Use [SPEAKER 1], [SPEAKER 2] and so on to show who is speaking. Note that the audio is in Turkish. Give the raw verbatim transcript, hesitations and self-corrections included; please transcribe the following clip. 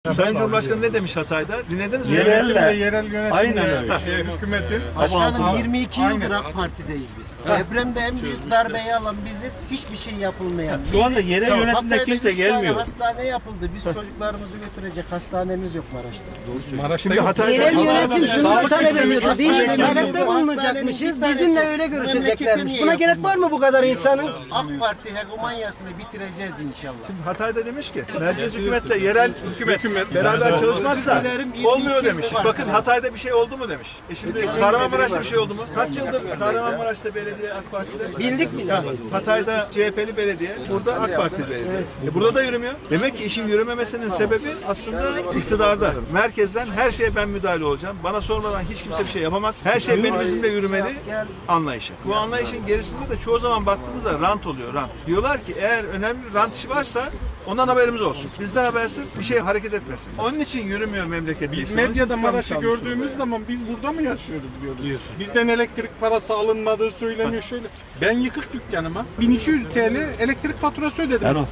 [SPEAKER 1] Sayın Cumhurbaşkanı ne demiş Hatay'da? Dinlediniz mi?
[SPEAKER 2] Yerelle.
[SPEAKER 3] Yönetimle, yerel yönetimle,
[SPEAKER 2] Aynen öyle.
[SPEAKER 3] şey, hükümetin.
[SPEAKER 4] Başkanım yirmi iki
[SPEAKER 3] Aynen.
[SPEAKER 4] yıldır AK Parti'deyiz biz. Depremde en büyük darbeyi alan biziz. Hiçbir şey yapılmayan.
[SPEAKER 2] Şu anda
[SPEAKER 4] Biziz.
[SPEAKER 2] yerel yönetimde
[SPEAKER 4] Hatay'da
[SPEAKER 2] kimse
[SPEAKER 4] üç tane
[SPEAKER 2] gelmiyor.
[SPEAKER 4] hastane yapıldı. Biz çocuklarımızı götürecek hastanemiz yok Maraş'ta. Doğru söylüyorsun.
[SPEAKER 3] Maraş'ta
[SPEAKER 1] Şimdi
[SPEAKER 3] yok.
[SPEAKER 1] Hatay'da
[SPEAKER 5] Yerel yönetim şunu
[SPEAKER 3] Sağlık
[SPEAKER 5] talep
[SPEAKER 3] sistemi
[SPEAKER 5] ediyor.
[SPEAKER 3] çok
[SPEAKER 5] Biz
[SPEAKER 4] önemli.
[SPEAKER 5] talepte
[SPEAKER 4] Bu
[SPEAKER 5] bulunacakmışız.
[SPEAKER 4] hastanenin bir
[SPEAKER 5] Bizimle
[SPEAKER 4] tanesi
[SPEAKER 5] öyle
[SPEAKER 4] memleketin
[SPEAKER 5] görüşeceklermiş.
[SPEAKER 4] niye
[SPEAKER 5] Buna gerek var mı bu kadar insanın?
[SPEAKER 4] AK Parti hegemonyasını bitireceğiz inşallah.
[SPEAKER 1] Hatay'da demiş ki merkez hükümetle yerel hükümet,
[SPEAKER 3] Hükümet.
[SPEAKER 1] beraber çalışmazsa
[SPEAKER 4] Özür dilerim, yirmi iki
[SPEAKER 1] olmuyor demiş.
[SPEAKER 4] yıldır var.
[SPEAKER 1] Bakın Hatay'da bir şey oldu mu demiş. E şimdi Kahramanmaraş'ta bir şey oldu mu? Kaç yıldır Kahramanmaraş'ta belediye AK Parti'de?
[SPEAKER 5] Bildik mi?
[SPEAKER 1] Ha, Hatay'da C H P'li belediye, burada AK Parti belediye. E burada da yürümüyor. Demek ki işin yürümemesinin sebebi aslında iktidarda. Merkezden her şeye ben müdahale olacağım. Bana sormadan hiç kimse bir şey yapamaz. Her şey benim izimde yürümeli anlayışı. Bu anlayışın gerisinde de çoğu zaman baktığımızda rant oluyor, rant. Diyorlar ki eğer önemli bir rant işi varsa ondan haberimiz olsun. Bizden habersiz bir şey hareket etmesin. Onun için yürümüyor memleket.
[SPEAKER 3] Biz medyada Maraş'ı gördüğümüz zaman biz burada mı yaşıyoruz diyoruz. Bizden elektrik parası alınmadığı söyleniyor şöyle. Ben yıkık dükkanıma bin iki yüz TL elektrik faturası ödedim.